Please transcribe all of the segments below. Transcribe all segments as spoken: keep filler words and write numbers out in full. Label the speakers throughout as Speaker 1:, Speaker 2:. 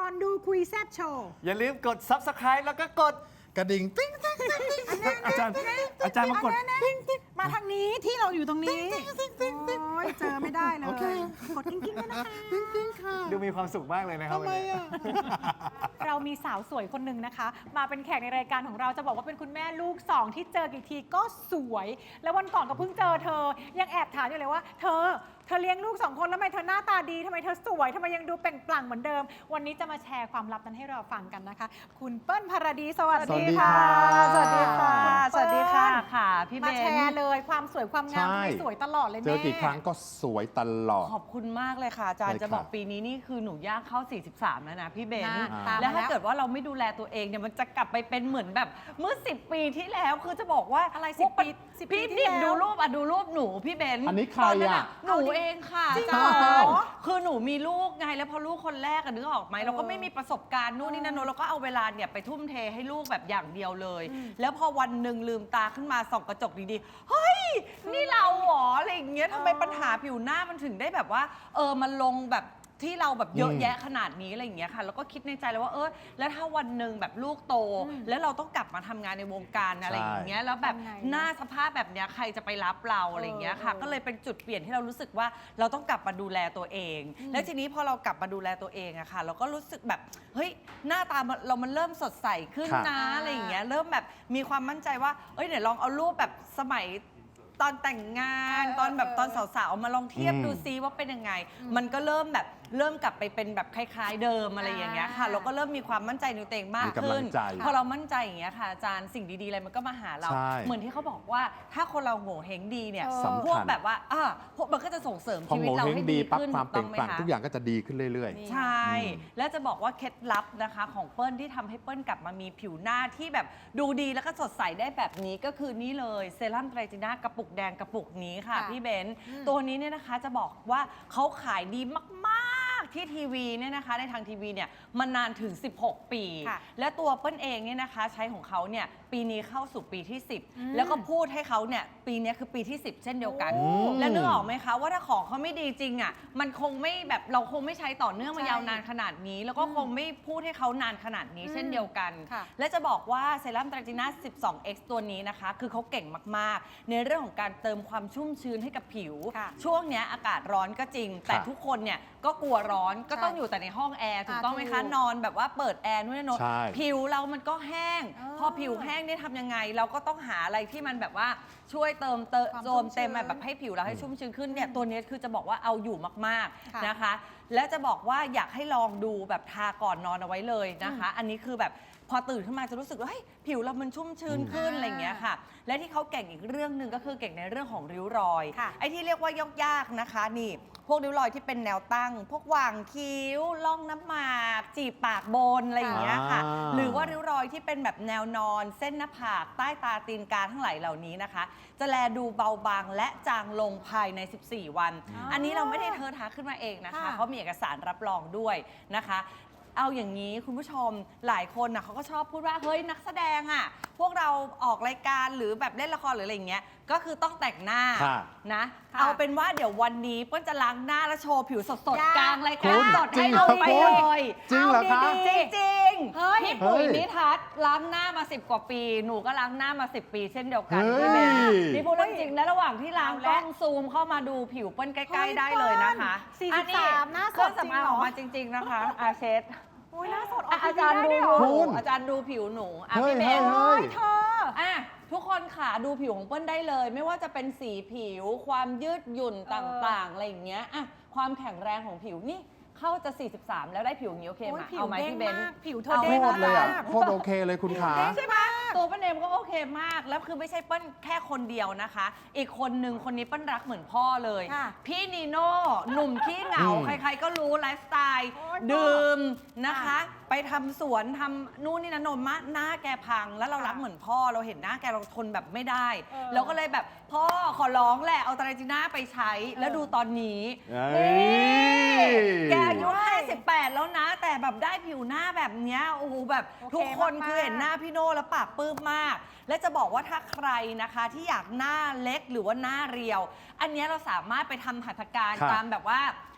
Speaker 1: อนดูคุยแซ่บโชว์
Speaker 2: อย่าลืมกด ซับสไครบ์ แล้วก็กดกระดิ่งติ๊งติ๊งติ๊งติ๊งอาจารย์อาจารย์มากดติ๊งติ๊ง
Speaker 1: มาทางนี้ที่เราอยู่ตรงนี้โอ้ยเจอไม่ได้เลยกดกิ้งกิ้งด้วยนะคะ
Speaker 3: จริงๆค่ะ
Speaker 2: ดูมีความสุขมากเลยนะครับ
Speaker 3: ทำไมอ่ะ
Speaker 4: เรามีสาวสวยคนหนึ่งนะคะ มาเป็นแขกในรายการของเราจะบอกว่าเป็นคุณแม่ลูกสองที่เจอกี่ทีก็สวย แล้ววันก่อนก็เพิ่งเจอเธอ ยังแอบถามอยู่เลยว่า เธอ เธอเลี้ยงลูกสองคนแล้วทำไมเธอหน้าตาดีทำไมเธอสวยทำไมยังดูเปล่งปลั่งเหมือนเดิม วันนี้จะมาแชร์ความลับนั้นให้เราฟังกันนะคะ คุณเปิ้ลภรดีสวัสดีค่ะ
Speaker 3: สวัสดีค่ะ
Speaker 4: สวัสดีค่ะ
Speaker 5: ค่ะพี่เบ
Speaker 4: มาแช
Speaker 5: น
Speaker 4: ร์เลยความสวยความงาม
Speaker 3: ใช่
Speaker 4: ทำไมสวยตลอดเลย
Speaker 3: เจ
Speaker 4: แม่
Speaker 3: อกี่ครั้งก็สวยตลอด
Speaker 5: ขอบคุณมากเลยค่ะอาจารย์
Speaker 3: ใช่
Speaker 5: จะบอก
Speaker 3: ค่ะ
Speaker 5: ปีนี้นี่คือหนูย่างเข้า สี่สิบสาม แล้วนะพี่เบน
Speaker 4: น่าตาม
Speaker 5: แล้วถ้า
Speaker 4: มา
Speaker 5: เกิดว่าเราไม่ดูแลตัวเองเนี่ยมันจะกลับไปเป็นเหมือนแบบเมื่อ สิบ ปีที่แล้วคือจะบอกว่า
Speaker 4: อะไร
Speaker 5: พวก
Speaker 4: สิบปีสิบปี
Speaker 5: พี่
Speaker 4: ที่
Speaker 5: พี่
Speaker 4: แล้ว
Speaker 5: ดูรูปอ่ะดูรูปหนูพี่เบน
Speaker 3: อันนี้ใคร
Speaker 5: ตนั้น
Speaker 3: อ่ะ
Speaker 5: หนูเองค่ะ
Speaker 4: จริง
Speaker 5: อา
Speaker 4: เหรอ
Speaker 5: จารย์คือหนูมีลูกไงแล้วพอลูกคนแรกอะนึกออกไหมเราก็ไม่มีประสบการณ์นู่นนี่นั่นโน้นเราก็เอาเวลาเนี่ยไปทุ่มเทให้ลูกแบบอย่างเดียวเลย แล้วพอวันหนึ่งลืมตาขึ้นมาส่องกระจกดีๆเฮ้ยนี่เราเหรออะไรอย่างเงี้ยทำไมปัญหาผิวหน้ามันถึงได้แบบว่าเออมันลงแบบที่เราแบบเยอะแยะขนาดนี้อะไรอย่างเงี้ยค่ะแล้วก็คิดในใจเลยว่าเออแล้วถ้าวันหนึ่งแบบลูกโต แล้วเราต้องกลับมาทำงานในวงการอะไรอย่างเงี้ยแล้วแบบ
Speaker 4: ทำไง
Speaker 5: หน้าสภาพแบบเนี้ยใครจะไปรับเราอะไรอย่างเงี้ยค่ะ
Speaker 4: เออ
Speaker 5: ก็เลยเป็นจุดเปลี่ยนที่เรารู้สึกว่าเราต้องกลับมาดูแลตัวเอง แล้วทีนี้พอเรากลับมาดูแลตัวเองอะค่ะเราก็รู้สึกแบบเฮ้ยหน้าตามันเรามันเริ่มสดใสขึ้น
Speaker 3: ค่ะ
Speaker 5: นะอะไรอย่างเงี้ยเริ่มแบบมีความมั่นใจว่าเอ้ยเดี๋ยวลองเอารูปแบบสมัยตอนแต่งงาน
Speaker 4: เออ
Speaker 5: ตอนแบบ
Speaker 4: เออ
Speaker 5: ตอนสาวๆมาลองเทียบ
Speaker 3: อืม
Speaker 5: ดูซิว่าเป็นยังไง มันก็เริ่มแบบเริ่มกลับไปเป็นแบบคล้ายๆเดิมอะไรอย่างเงี้ยค่ะ
Speaker 4: อ่า
Speaker 5: เราก็เริ่มมีความมั่นใจในตัวเองมาก
Speaker 3: มีกำลั
Speaker 5: ขึ้น
Speaker 3: งใจ
Speaker 5: พอเรามั่นใจอย่างเงี้ยค่ะอาจารย์สิ่งดีๆอะไรมันก็มาหาเรา
Speaker 3: ใช่
Speaker 5: เหมือนที่เขาบอกว่าถ้าคนเราโง่เฮงดีเนี่ย
Speaker 4: เออ
Speaker 3: สำคัญ
Speaker 5: พวกแบบว่าอ่าพวกมันก็จะส่งเสริม
Speaker 3: พอ
Speaker 5: ชี
Speaker 3: โง
Speaker 5: วิตเรา
Speaker 3: เฮง
Speaker 5: ให้
Speaker 3: ดี
Speaker 5: ดี
Speaker 3: ปั๊บ
Speaker 5: ขึ้น
Speaker 3: ความเปล่ง
Speaker 5: ถู
Speaker 3: ปลั่ง
Speaker 5: ไหมคะ
Speaker 3: ทุกอย่างก็จะดีขึ้นเรื่อย
Speaker 5: ใช่ แล้วจะบอกว่าเคล็ดลับนะคะของเปิ้ลที่ทำให้เปิ้ลกลับมามีผิวหน้าที่แบบดูดีแล้วก็สดใสได้แบบนี้ก็คือนี่เลยเซรั่มไตรจีน่ากระปุกแดงกระปุกนี้ค่ะ
Speaker 4: ค่ะ
Speaker 5: พี่เบนซ์ตัวนี้เนี่ยนะคะจะบอกว่าเขาขายดีมากๆที่ทีวีเนี่ยนะคะในทางทีวีเนี่ยมานานถึง สิบหก ปี
Speaker 4: ค่ะ
Speaker 5: และตัวเปิ้ลเองเนี่ยนะคะใช้ของเขาเนี่ยปีนี้เข้าสู่ปีที่ สิบ
Speaker 4: อืม
Speaker 5: แล้วก็พูดให้เขาเนี่ยปีนี้คือปีที่ สิบ เช่นเดียวกัน
Speaker 3: โอ้
Speaker 5: แล้วนึกออกไหมคะว่าถ้าของเขาไม่ดีจริงอ่ะมันคงไม่แบบเราคงไม่ใช้ต่อเนื่องมา
Speaker 4: ใช่
Speaker 5: ยาวนานขนาดนี้ แล้วก็คงไม่พูดให้เขานานขนาดนี้
Speaker 4: อืม
Speaker 5: เช่นเดียวกัน
Speaker 4: ค่ะ
Speaker 5: และจะบอกว่าเซรั่มตราจีน่า สิบสองเอ็กซ์ ตัวนี้นะคะ คือเขาเก่งมากๆ ในเรื่องของการเติมความชุ่มชื้นให้กับผิว
Speaker 4: ค่ะ
Speaker 5: ช่วงเนี้ยอากาศร้อนก็จริง แต่
Speaker 3: ค่ะ
Speaker 5: ทุกคนเนี่ยก็กลัวร้อนก็ต้อง
Speaker 4: ใช่
Speaker 5: อยู่แต่ในห้องแอร์ถูก
Speaker 4: อ่า
Speaker 5: ต้องไหมคะ
Speaker 4: ถูก
Speaker 5: นอนแบบว่าเปิดแอร์นู่นนน
Speaker 3: ใช่
Speaker 5: ผิวเรามันก็แห้ง
Speaker 4: เออ
Speaker 5: พอผิวแห้งเนี่ยทำยังไง เราก็ต้องหาอะไรที่มันแบบว่าช่วยเติมเติม
Speaker 4: ความ
Speaker 5: โจมเต็ม
Speaker 4: ชุ่มชื้น
Speaker 5: แบบให้ผิวเราให้ชุ่มชื้นขึ้นเนี่ยตัวนี้คือจะบอกว่าเอาอยู่มาก
Speaker 4: ค่ะ
Speaker 5: ๆนะคะ และจะบอกว่าอยากให้ลองดูแบบทาก่อนนอนเอาไว้เลยนะคะ อันนี้คือแบบพอตื่นขึ้นมาจะรู้สึกว่าเฮ้ยผิวเรามันชุ่มชื้นขึ้น
Speaker 4: อืม
Speaker 5: อะไรอย่างเงี้ยค่ะ และที่เขาเก่งอีกเรื่องหนึ่งก็คือเก่งในเรื่องของริ้วรอย
Speaker 4: ค่ะ
Speaker 5: ไอ้ที่เรียกว่ายากๆนะคะนี่พวกริ้วรอยที่เป็นแนวตั้ง พวกหว่างคิ้วล่องน้ำหมากจีบปากบนอะไรอย่างเงี้ยค่ะ
Speaker 3: อ่า
Speaker 5: หรือว่าริ้วรอยที่เป็นแบบแนวนอน เส้นหน้าผากใต้ตาตีนกาทั้งหลายเหล่านี้นะคะ จะแลดูเบาบางและจางลงภายใน สิบสี่ วัน
Speaker 4: อ๋ออั
Speaker 5: อันนี้เราไม่ได้เธอท้าขึ้นมาเองนะคะ
Speaker 4: ค่ะ
Speaker 5: เขามีเอกสารรับรองด้วยนะคะ เอาอย่างนี้คุณผู้ชมหลายคนนะเขาก็ชอบพูดว่าเฮ้ยนักแสดงอ่ะพวกเราออกรายการหรือแบบเล่นละครหรืออะไรอย่างเงี้ยก็คือต้องแต่งหน้า
Speaker 3: ค่ะ
Speaker 5: นะ
Speaker 4: ค่ะ
Speaker 5: เอาเป็นว่าเดี๋ยววันนี้เปิ้ลจะล้างหน้าและโชว์ผิวสด
Speaker 4: ยาก
Speaker 5: ๆกลางราย
Speaker 3: คุ
Speaker 5: การ
Speaker 3: ณ
Speaker 5: สด
Speaker 3: จริ
Speaker 5: ให้
Speaker 3: งเหร
Speaker 5: เรา
Speaker 3: อ
Speaker 5: ไป
Speaker 3: คุณ
Speaker 5: เลย
Speaker 3: จริงเหรอคะ
Speaker 5: าดีๆจริงๆ
Speaker 4: เฮ้ย
Speaker 5: พี่ปุ๋ย
Speaker 3: เฮ้ย
Speaker 5: นิทัศน์ล้างหน้ามาสิบกว่าปีหนูก็ล้างหน้ามาสิบปีเช่นเดียวกัน
Speaker 3: เฮ้ย
Speaker 5: พี่เบนนี่พูดเรื่องจริงและระหว่างที่ล้าง
Speaker 4: เอา
Speaker 5: ก
Speaker 4: ละ
Speaker 5: ล้องซูมเข้ามาดูผิวเปิ้ลใก
Speaker 4: เฮ้
Speaker 5: ล้
Speaker 4: ย
Speaker 5: ๆได้เลยนะคะ
Speaker 4: เปิ้ล
Speaker 5: อั
Speaker 4: สี่สิบสามหน้าสด
Speaker 5: เครื่อง
Speaker 4: จริง
Speaker 5: สำอาง
Speaker 4: เหรอ
Speaker 5: ออกมาจริง ๆนะคะอาเชด
Speaker 4: โอ้ยหน้าสด
Speaker 5: อ่ะ
Speaker 4: ที
Speaker 5: อา
Speaker 4: วี
Speaker 5: จารย์
Speaker 4: ได้
Speaker 5: ดู
Speaker 4: วยเหรอ
Speaker 5: หนู
Speaker 3: คุณ
Speaker 5: อาจารย์ดูผิวหนูอ่ะ
Speaker 3: เฮ้ย
Speaker 5: พี่เบน
Speaker 3: เฮ้ย
Speaker 4: เธอ
Speaker 5: อ่ะทุกคนค่ะดูผิวของเปิ้ลได้เลย ไม่ว่าจะเป็นสีผิว ความยืดหยุ่นต่างๆอะไรอย่างเงี้ยอ่ะความแข็งแรงของผิวนี่เข้าจะ สี่สิบสาม แล้วได้ผิวอย่างนี้โอเคไหม
Speaker 4: โอ้ยผิว
Speaker 5: เอาไหม
Speaker 4: เด้ง
Speaker 5: พี่เบน
Speaker 4: มากผิวเธอ
Speaker 5: เอา
Speaker 4: เด้
Speaker 3: โค
Speaker 4: ง
Speaker 3: ตรเลยอ่ะ
Speaker 4: มาก
Speaker 3: โคตรโอเคเลยคุณขา
Speaker 5: ใช่ไหมตัวเปิ้ลเองก็โอเคมาก แล้วคือไม่ใช่เปิ้ลแค่คนเดียวนะคะ อีกคนหนึ่งคนนี้เปิ้ลรักเหมือนพ่อเลย
Speaker 4: ค่ะ
Speaker 5: พี่นีโน่หนุ่มขี้เหงา
Speaker 3: อืม
Speaker 5: ใครๆก็รู้ไลฟ์สไตล์
Speaker 4: โอ๊ย
Speaker 5: ดื่มนะคะ
Speaker 4: ค่ะ
Speaker 5: ไปทำสวนทำนู่นนี่นะนมมะหน้าแกพัง แล้วเรารักเหมือนพ่อเราเห็นหน้าแกเราทนแบบไม่ได้
Speaker 4: เออ
Speaker 5: เราก็เลยแบบพ่อขอร้องแหละเอาตราจีน่าไปใช้ แล้วดูตอนนี้
Speaker 3: เอ้ย
Speaker 5: แกอายุห้าสิบแปดแล้วนะ แต่แบบได้ผิวหน้าแบบเนี้ยโอ้โหแบบ
Speaker 4: โอเค
Speaker 5: ทุกคน
Speaker 4: มากๆ
Speaker 5: คือเห็นหน้าพี่โน่แล้วปากปลื้มมาก และจะบอกว่าถ้าใครนะคะที่อยากหน้าเล็กหรือว่าหน้าเรียว อันเนี้ยเราสามารถไปทำหัตถการ
Speaker 3: ครับ
Speaker 5: ตามแบบว่า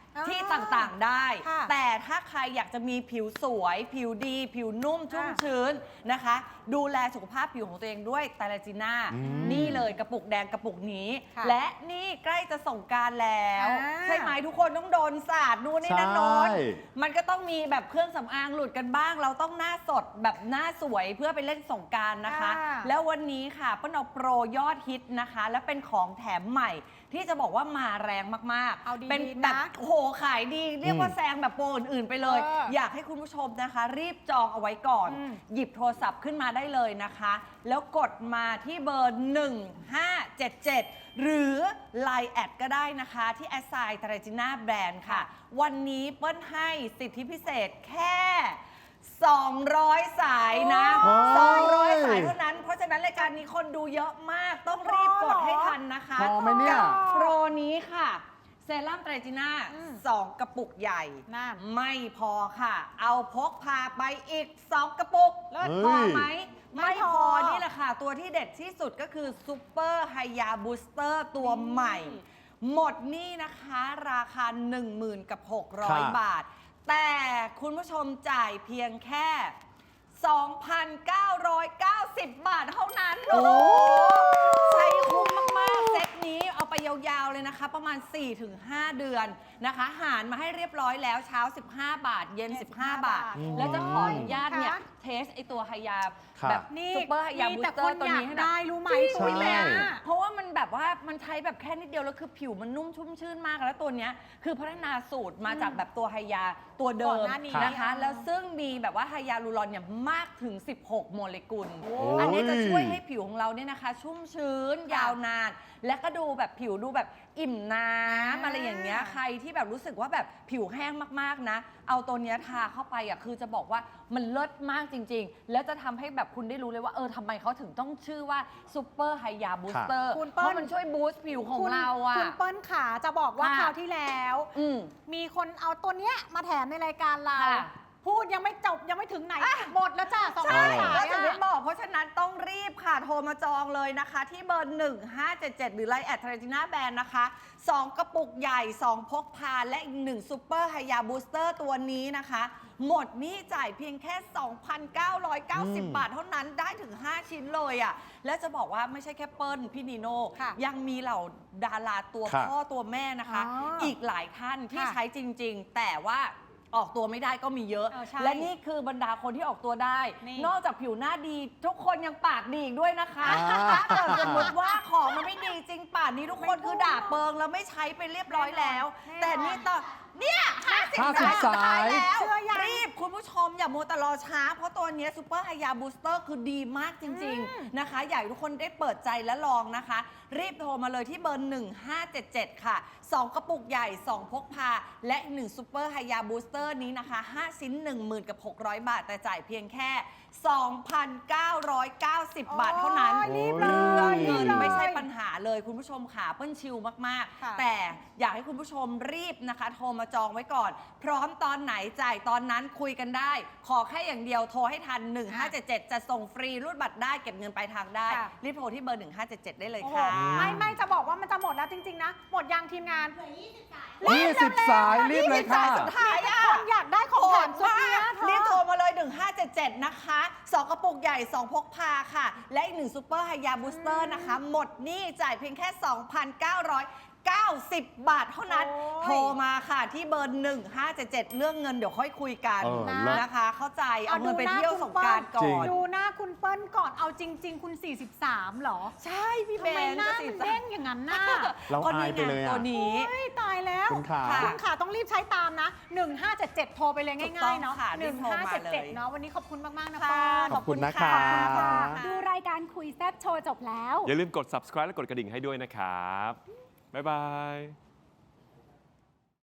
Speaker 1: อ่า
Speaker 5: ที่ต่างๆได้
Speaker 1: ค่ะ
Speaker 5: แต่ถ้าใครอยากจะมีผิวสวย ผิวดี ผิวนุ่มชุ่ม
Speaker 1: ค่ะ
Speaker 5: ชื้นนะคะ ดูแลสุขภาพผิวของตัวเองด้วยไตรลาจีน่า
Speaker 3: อืม
Speaker 5: นี่เลยกระปุกแดงกระปุกนี้
Speaker 1: ค่ะ
Speaker 5: และนี่ใกล้จะส่งกรารแล้ว
Speaker 1: อ่า
Speaker 5: ใช่ไหมทุกคนต้องโดนสาดนู่นนี่นั่น
Speaker 3: ใช่
Speaker 5: โน้นมันก็ต้องมีแบบเครื่องสำอางหลุดกันบ้าง เราต้องหน้าสดแบบหน้าสวยเพื่อไปเล่นสงกรารนะคะ
Speaker 1: ค่ะ
Speaker 5: แล้ววันนี้ค่ะเปิ้ลเอาโปรยอดฮิตนะคะ และเป็นของแถมใหม่ ที่จะบอกว่ามาแรงมากๆ
Speaker 1: เอาดีๆ
Speaker 5: เป็นแบบ
Speaker 1: นะ
Speaker 5: โอ้โหขายดี เรียกว่าแซงแบบโปรอื่นๆไปเลย
Speaker 1: เออ
Speaker 5: อยากให้คุณผู้ชมนะคะ รีบจองเอาไว้ก่อน
Speaker 1: อืม
Speaker 5: หยิบโทรศัพท์ขึ้นมาได้เลยนะคะ แล้วกดมาที่เบอร์ หนึ่งห้าเจ็ดเจ็ด หรือ ไลน์ แอดก็ได้นะคะที่แอสไซน์ตราจิน่าแบรนด์ค่ะ วันนี้เปิ้ลให้สิทธิพิเศษแค่ สองร้อย สายนะ
Speaker 3: โอ้ย
Speaker 5: สองร้อย สายเท่านั้น เพราะฉะนั้นรายการนี้คนดูเยอะมาก ต้องรีบกดให้ทันนะคะ
Speaker 3: พอไหมเนี่ย
Speaker 5: กับโปรนี้ค่ะ เซรั่มไตรจีน่า
Speaker 1: อืม
Speaker 5: สองกระปุกใหญ่
Speaker 1: นั่น
Speaker 5: ไม่พอค่ะ เอาพกพาไปอีก สอง กระปุก
Speaker 3: เลิศ
Speaker 5: พอไหม
Speaker 1: ไม่
Speaker 5: ไม่
Speaker 1: พ
Speaker 5: พ
Speaker 1: อ
Speaker 5: อนี่แหละค่ะ ตัวที่เด็ดที่สุดก็คือซูเปอร์ไฮยาบูสเตอร์ตัวใหม่ หมดนี่นะคะราคา หนึ่งหมื่น กับ หกร้อย
Speaker 3: ค่ะ
Speaker 5: บาท แต่คุณผู้ชมจ่ายเพียงแค่ สองพันเก้าร้อยเก้าสิบ บาทเท่านั้น โอ้โหใช้คุ้มมาก ๆ เซตนี้เอาไปยาว ๆ เลยนะคะ ประมาณ สี่ถึงห้า เดือนนะคะ หารมาให้เรียบร้อยแล้วเช้า สิบห้า บาท เย็น สิบห้า บาท
Speaker 1: อืม
Speaker 5: แล้วจะขออนุญาตเนี่ย
Speaker 1: ค่ะ
Speaker 5: เทสไอตัวไฮยา
Speaker 3: ค่ะ
Speaker 5: แบบ
Speaker 1: นี่
Speaker 5: ซูเปอร์ไฮยา
Speaker 1: มี
Speaker 5: บู
Speaker 1: แต่
Speaker 5: สเตอ
Speaker 1: คน
Speaker 5: ร์ตัว
Speaker 1: อยาก
Speaker 5: นี้ให้หน่
Speaker 1: ได้
Speaker 5: อย
Speaker 1: รู้ไหม
Speaker 3: ใช่
Speaker 1: ปุ๋ยแม่
Speaker 5: เพราะว่ามันแบบว่ามันใช้แบบแค่นิดเดียวแล้วคือผิวมันนุ่มชุ่มชื่นมากแล้วตัวเนี้ยคือพัฒนาสูตรมาจากแบบตัวไฮยาตัวเดิ
Speaker 1: ก่อ
Speaker 5: ม
Speaker 1: นหน้านี้
Speaker 5: นะคะ
Speaker 1: อ่ะ
Speaker 5: แล้วซึ่งมีแบบว่าไฮยาลูรอนเนี่ยมากถึง สิบหก โมเลกุล
Speaker 3: โอ้
Speaker 5: อันนี้จะช่วยให้ผิวของเราเนี่ยนะคะ ชุ่มชื้นยาวนาน และก็ดูแบบผิวดูแบบอิ่มน้ำอะไรอย่างเงี้ยใครที่แบบรู้สึกว่าแบบผิวแห้งมากๆนะ เอาตัวเนี้ยทาเข้าไปอ่ะคือจะบอกว่ามันเลิศมากจริง ๆ แล้วจะทำให้แบบคุณได้รู้เลยว่าเออทำไมเขาถึงต้องชื่อว่าซูเปอร์ไฮยาบูสเตอร์
Speaker 1: คุณ
Speaker 5: เพ
Speaker 1: เปิ้ล
Speaker 5: ราะมันช่วยบูสต์ผิวของ
Speaker 1: คุณ
Speaker 5: เราอ่ะ
Speaker 1: คุณเปิ้ลขาจะบอกว่า
Speaker 5: ค่ะ
Speaker 1: คราวที่แล้ว
Speaker 5: อืม
Speaker 1: มีคนเอาตัวเนี้ยมาแถมในรายการเรา
Speaker 5: ค่ะ
Speaker 1: พูดยังไม่จบยังไม่ถึงไหน หมดแล้วจ้าสอง
Speaker 5: ใช่
Speaker 1: ร้อยสาย
Speaker 5: ก็ถึงได้
Speaker 1: อะ
Speaker 5: บอก เพราะฉะนั้นต้องรีบค่ะ โทรมาจองเลยนะคะ ที่เบอร์ หนึ่งห้าเจ็ดเจ็ด หรือไลน์แอดทรจิน่าแบรนด์นะคะ สอง กระปุกใหญ่ สอง พกพา และอีกหนึ่งซูเปอร์ไฮยาบูสเตอร์ตัวนี้นะคะ หมดนี่จ่ายเพียงแค่ สองพันเก้าร้อยเก้าสิบ
Speaker 3: อืม
Speaker 5: บาทเท่านั้นได้ถึง ห้า ชิ้นเลยอ่ะ และจะบอกว่าไม่ใช่แค่เปิ้ลพี่นีโน่
Speaker 1: ค่ะ
Speaker 5: ยังมีเหล่าดาราตัว
Speaker 3: ค่ะ
Speaker 5: พ่อตัวแม่นะคะ
Speaker 1: อ๋ออี
Speaker 5: อีกหลายท่านที่
Speaker 1: ค่ะ
Speaker 5: ใช้จริง ๆ แต่ว่าออกตัวไม่ได้ก็มีเยอะ
Speaker 1: เออใช่
Speaker 5: และนี่คือบรรดาคนที่ออกตัวได้
Speaker 1: นี่
Speaker 5: นอกจากผิวหน้าดี ทุกคนยังปากดีอีกด้วยนะคะ
Speaker 3: อ่า
Speaker 5: ถ้าเกิดสมมติว่าของมันไม่ดีจริงป่านนี้ทุกคนคือด่าเปิงแล้วไม่ใช้ไปเรียบร้อยแล้ว
Speaker 1: แน่นอน
Speaker 5: แต่นี่ต่อเนี่ยห้าสิบ
Speaker 3: ห้าสิบ
Speaker 5: สายสุดท้าย
Speaker 3: สาย
Speaker 5: แล้ว
Speaker 1: เชื่อยัง
Speaker 5: รีบคุณผู้ชมอย่ามัวแต่รอช้า เพราะตัวเนี้ซูเปอร์ไฮยาบูสเตอร์คือดีมากจริง ๆ นะคะ อยากให้ทุกคนได้เปิดใจและลองนะคะ รีบโทรมาเลยที่เบอร์ หนึ่งห้าเจ็ดเจ็ด ค่ะ สอง กระปุกใหญ่ สอง พกพา และอีกหนึ่งซูเปอร์ไฮยาบูสเตอร์นี้นะคะ ห้า ชิ้น หนึ่งหมื่น กับ หกร้อย บาท แต่จ่ายเพียงแค่ สองพันเก้าร้อยเก้าสิบ บาทเท่านั้น
Speaker 1: โอ้ยรีบเลย
Speaker 5: เรื่องเงิน
Speaker 1: รีบเลย
Speaker 5: ไม่ใช่ปัญหาเลยคุณผู้ชมค่ะเปิ้ลชิลมาก
Speaker 1: ค่ะ
Speaker 5: ๆ แต่อยากให้คุณผู้ชมรีบนะคะ โทรมาจองไว้ก่อน พร้อมตอนไหนจ่ายตอนนั้นคุยกันได้ ขอแค่อย่างเดียวโทรให้ทัน หนึ่งห้าเจ็ดเจ็ด จะส่งฟรีรูดบัตรได้เก็บเงินปลายทางได้
Speaker 1: ค่ะ
Speaker 5: รีบโทรที่เบอร์ หนึ่งห้าเจ็ดเจ็ด ได้เลย
Speaker 1: โอ้โห
Speaker 5: ค่ะ
Speaker 1: ไม่ไม่จะบอกว่ามันจะหมดแล้วจริง ๆ นะ หมดยังทีมงาน
Speaker 3: ยี่สิบสายรีบเลยค่ะ
Speaker 5: สุดท้ายอ่ะ
Speaker 1: คนอยากได้ของแถมสุดเนี้ยเธอ
Speaker 5: รีบโทรมาเลย หนึ่งห้าเจ็ดเจ็ด นะคะ สอง กระปุกใหญ่ สอง พกพาค่ะ และอีกหนึ่งซูเปอร์ไฮยาบูสเตอร์นะคะ หมดหนี่จ่ายเพียงแค่ สองพันเก้าร้อยเก้าสิบ บาทเท่านั้น
Speaker 1: โอ้ย
Speaker 5: โทรมาค่ะที่เบอร์ หนึ่งห้าเจ็ดเจ็ด เรื่องเงินเดี๋ยวค่อยคุยกัน
Speaker 3: เออเลิศ
Speaker 5: นะคะ เข้าใจ เอาเงินไป
Speaker 1: หน้
Speaker 5: เที่ยวสงกรารก่
Speaker 3: จริ
Speaker 5: อง น
Speaker 1: ดูหน้าคุณเปิ้ลก่อนเอาจริง ๆ คุณ สี่สิบสาม เหรอ
Speaker 5: ใช่พี่
Speaker 1: ทำ
Speaker 5: เบ
Speaker 1: ไม
Speaker 5: น
Speaker 1: หน้า
Speaker 5: จะ
Speaker 1: มัน
Speaker 5: สิ
Speaker 1: เด้งอย่างนั้นน่ะ
Speaker 3: เรา
Speaker 5: ก็
Speaker 3: อาย
Speaker 5: นี่
Speaker 3: ไปเลย
Speaker 5: ไง
Speaker 3: อ่ะ
Speaker 5: ตัวนี้
Speaker 1: เฮ้ยตายแล้ว
Speaker 3: คุณขา
Speaker 5: ค่ะ
Speaker 1: คุณขาต้องรีบใช้ตามนะ หนึ่งห้าเจ็ดเจ็ด โทรไปเลย
Speaker 5: ถูกต้
Speaker 1: ง่า
Speaker 5: อย ง
Speaker 1: ๆเนาะ
Speaker 5: ค่ะรี
Speaker 1: หนึ่
Speaker 5: บ
Speaker 1: ง
Speaker 5: โทร
Speaker 1: ห้า
Speaker 5: มา
Speaker 1: เจ็ด
Speaker 5: เล
Speaker 1: เจ็ด
Speaker 5: ย
Speaker 1: เนาะวันนี้ขอบคุณมากๆนะ
Speaker 5: ค่ะ
Speaker 1: เปิ้ล
Speaker 3: ขอบคุณนะคะ
Speaker 1: ขอบคุณค่ะ
Speaker 4: ดูรายการคุยแซ่บโชว์จบแล้ว
Speaker 6: อย่าลืมกด subscribe และกดกระดิ่งให้ด้วยนะครับ บ๊ายบาย